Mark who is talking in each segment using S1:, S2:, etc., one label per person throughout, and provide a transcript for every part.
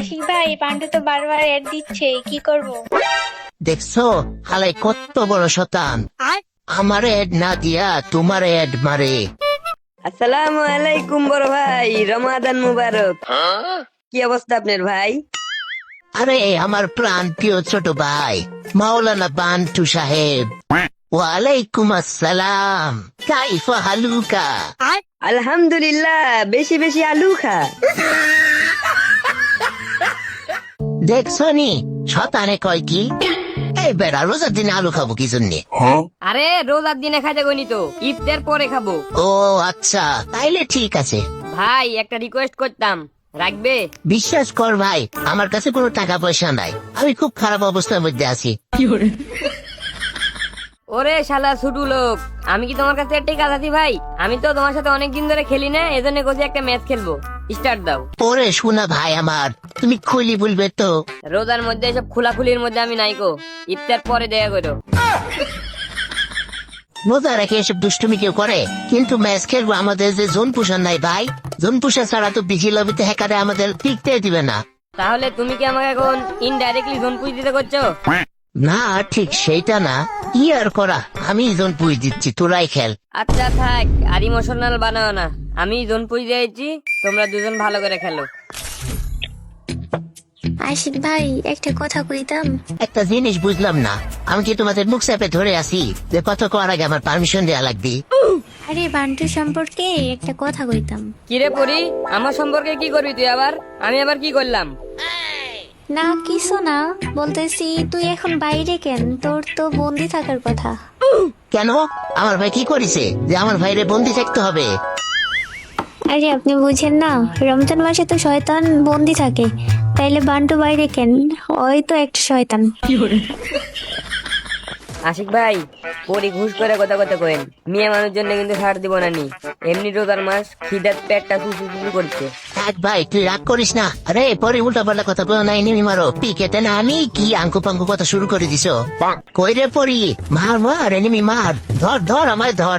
S1: আশিক ভাই, পান্ডু তো বারবার অ্যাড দিচ্ছে, কি করব?
S2: দেখছো হালাই কত বড় শতান, আমার এড না দিয়া তোমার এড মারে।
S3: আসসালামু আলাইকুম বড় ভাই, রমাদান মুবারক। কি অবস্থা আপনার ভাই?
S2: আরে আমার প্রাণ প্রিয় ছোট ভাই মাওলানা বান্টু সাহেব, ওয়ালাইকুম আসসালাম, কাইফা হালুকা।
S3: আলহামদুলিল্লাহ, বেশি বেশি আলু খা।
S2: দেখছো নি শতানে কয় কি, এই বেড়া রোজার দিনে আলু খাবো কি জন্যে?
S3: আরে রোজার দিনে খাইতে গনি তো, ইফতার পরে খাবো।
S2: ও আচ্ছা, তাইলে ঠিক আছে।
S3: ভাই একটা রিকোয়েস্ট করতাম, রাখবে?
S2: বিশ্বাস কর ভাই, আমার কাছে কোনো টাকা পয়সা নাই, আমি খুব খারাপ অবস্থার মধ্যে আছি।
S3: ওরে শালা ছুটু লোক, আমি কি তোমার কাছে টেকা আছি ভাই? আমি তো তোমার সাথে অনেকদিন ধরে খেলি না, এজন্য কোচে একটা ম্যাচ খেলবো। স্টার্ট দাও।
S2: ওরে শোনা ভাই আমার, তুমি খুলি বলবে তো?
S3: রোজার মধ্যে এসব খোলাখুলির মধ্যে আমি নাইকো, ইফতার পরে দেয়া করো।
S2: রোজা রেখে এসব দুষ্টুমি কেউ করে? কিন্তু ম্যাচ খেলবো, আমাদের যে জোন পুষার নাই ভাই, জোন পুষা ছাড়া তো বিজি লবিতে হ্যাকারে আমাদের টিকতে দিবে না।
S3: তাহলে তুমি কি আমাকে এখন ইনডাইরেক্টলি জোন পুজ দিতে করছো?
S2: না ঠিক সেইটা না, কি আর করা, আমি জোন পুষ দিচ্ছি, তোরাই খেল।
S3: আচ্ছা থাক, আর ইমোশনাল বানাও না, আমি জোন পুজ দিয়েছি, তোমরা দুজন ভালো করে খেলো।
S1: আশিক ভাই, একটা কথা কইতাম।
S2: একটা জিনিস বুঝলাম না, আমি কি তোমাদের মুখ চাপে ধরে আছি যে কথা কওয়ার আগে আমার পারমিশন দেওয়া লাগবে?
S1: আরে বান্টু সম্পর্কে একটা কথা কইতাম।
S3: কিরে পরি, আমার সম্পর্কে কি করবি তুই আবার? আমি আবার কি করলাম?
S1: না কিছু না, বলতেছি তুই এখন বাইরে কেন? তোর তো বন্দি থাকার কথা।
S2: কেন, আমার ভাই কি করেছে যে আমার ভাইরে বন্দি থাকতে হবে?
S1: আরে আপনি বুঝেন না, রমজান মাসে তো শয়তান বন্দি থাকে, তাইলে বান্টু বাইরে কেন? ওই তো একটা শয়তান।
S3: আশিক ভাই, পরি ঘুষ করে কথা কথা কইন, মেয়ে মানুষ জন্য কিন্তু ছাড় দিব না নি। এমনি রোজার মাস, খিদার পেটটা চুচু করছে।
S2: এক ভাই তুই রাগ করিস না, আরে পরে উল্টা পাল্টা কথা বলো নাই, নেমি মারো পিকেতে না, আমি কি আঙ্কু পাঙ্কু কথা শুরু করে দিছো? কই রে পরি, মার মার এনিমি মার, ধর ধর আমায় ধর।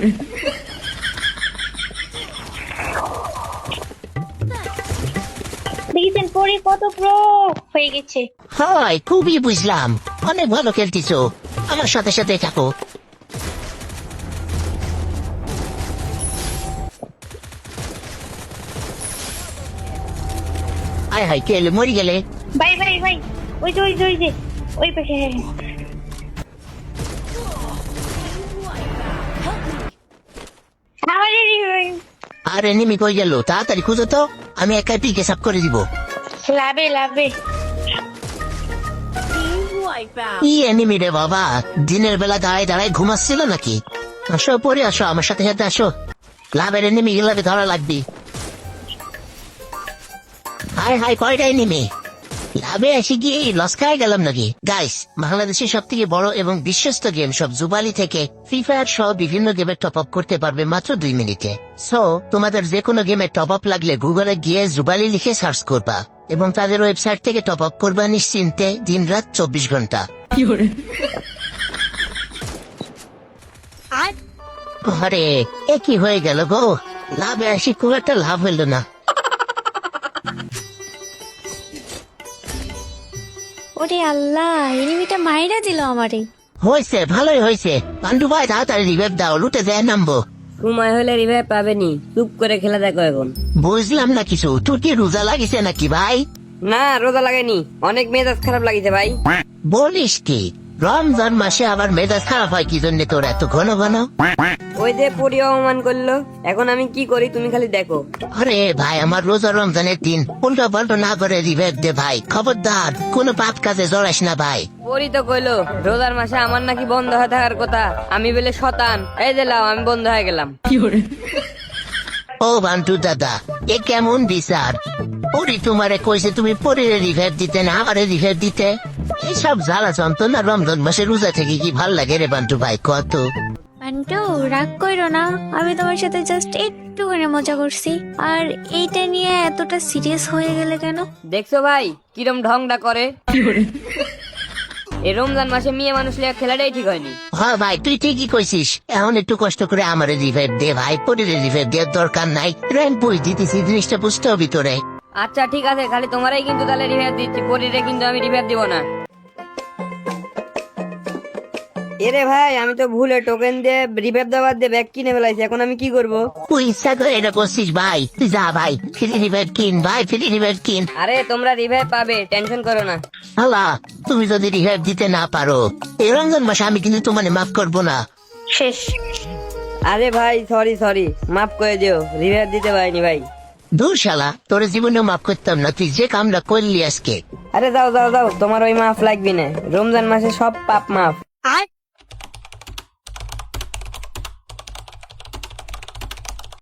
S1: দেখেছেন পরি কত প্রো হয়ে গেছে।
S2: হয় খুবই বুঝলাম, অনেক ভালো খেলতিছো, আমার সাথে সাথে থাকো। আয় হাই কে এলো, মরি গেলে?
S1: ভাই ভাই ভাই, ওই যে ওই যে ওই যে ওই পাশে। হ্যাঁ আমারে
S2: আর এনিমি কই গেল, তাড়াতাড়ি খুঁজো তো, আমি একাই পিকে সাপ করে দিব।
S1: লাভে লাভে।
S2: ই এনিমি রে বাবা, দিনের বেলা দাঁড়ায় দাঁড়ায় ঘুমাচ্ছিল নাকি? আসো পরে আসো, আমার সাথে সাথে আসো, লাভের এনিমি গেলাবে ধরা লাগবে। হাই হাই কয়টা এনিমি, লাভে আসি কি লস খাই গেলাম নাকি? গাইস, বাংলাদেশের সব থেকে বড় এবং বিশ্বস্ত গেম সব জুবালি থেকে ফ্রি ফায়ার সহ বিভিন্ন গেমে টপ আপ করতে পারবে মাত্র 2 মিনিটে। সো তোমাদের যে কোনো গেমে টপ আপ লাগলে গুগলে গিয়ে জুবালি লিখে সার্চ করবা এবং তাদের ওয়েবসাইট থেকে টপ আপ করবা নিশ্চিন্তে, দিন রাত 24 ঘন্টা। আরে এ কি হয়ে গেল গো, লাভে আসি খুব একটা লাভ হইল না।
S1: ওরে আল্লাহ, এনিমিটা মাইরা দিল আমারে।
S2: হয়েছে, ভালোই হয়েছে, পান্ডু ভাই তাড়াতাড়ি রিভাইভ দাও, লুটে দেয় নামবো।
S3: সময় হলে রিভাইভ পাবেনি, চুপ করে খেলা দেখো এখন।
S2: বুঝলাম না কিছু, তোর কি রোজা লাগিছে নাকি ভাই?
S3: না রোজা লাগেনি, অনেক মেজাজ খারাপ লাগিছে ভাই।
S2: বলিস কি, রমজান মাসে আবার মেজাজ খারাপ হয় কি জন্য তোর এত ঘন ঘন?
S3: ওই যে পরি অপমান করলো, এখন আমি কি করি তুমি খালি দেখো।
S2: আরে ভাই, আমার রোজা রমজানের দিন উল্টো পাল্টো না করে রিভাইভ দে ভাই, খবরদার কোনো পাপ কাজে জড়াস না ভাই।
S3: পরি তো কইলো রোজার মাসে আমার নাকি বন্ধ হয়ে থাকার কথা, আমি বলে শতান, এই যে লাও আমি বন্ধ হয়ে গেলাম।
S2: ও বান্টু দাদা, এ কেমন বিচার? পরি তোমারে কইছে তুমি পরিরে রিভাইভ দিতে না আমারে রিভাইভ দিতে? এইসব জ্বালা যন্ত্রণা রমজান মাসে রোজা থেকে কি ভাল লাগে রে বান্টু ভাই কত?
S1: বান্টু রাগ কইরো না, আমি তোমার সাথে জাস্ট একটু করে মজা করছি, আর এইটা নিয়ে এতটা সিরিয়াস হয়ে গেলে কেন?
S3: দেখছো ভাই কিরম ঢংটা করে। এই রমজান মাসে মেয়ে মানুষ লিয়া খেলাটাই ঠিক হয়নি।
S2: হ্যাঁ ভাই তুই ঠিকই কইছিস, এখন একটু কষ্ট করে আমারে রিভাইভ দে ভাই, পরিরে রিভাইভ দেওয়ার দরকার নাই, র্যাঙ্ক বই দিতেছি, জিনিসটা বুঝতে হবে তোরে।
S3: আচ্ছা ঠিক আছে, খালি তোমারই কিন্তু তাহলে রিভাইভ দিচ্ছি, পরিরে কিন্তু আমি রিভাইভ দিব না। এরে ভাই, আমি তো ভুলে টোকেন দিয়ে রিভাইভ দেওয়ার দিয়ে ব্যাগ কিনে ফেলাইছি, এখন আমি কি করব?
S2: তুই ইচ্ছা করে এটা করছিস ভাই, তুই যা ভাই ফ্রি রিভাইভ কিন ভাই, ফ্রি রিভাইভ কিন।
S3: আরে তোমরা রিভাইভ পাবে, টেনশন করো না।
S2: আল্লাহ, তুমি যদি রিভাইভ দিতে না পারো এই রমজান মাসে আমি কিন্তু তোমার মাফ করবো না।
S1: শেষ।
S3: আরে ভাই সরি, মাফ করে দিও, রিভাইভ দিতে পারিনি ভাই।
S2: দূর শালা, তোর জীবনেও মাফ করতাম না, তুই যে কামটা করলি আজকে।
S3: আরে যাও, তোমার ওই মাফ লাগবে না, রমজান মাসে সব পাপ মাফ।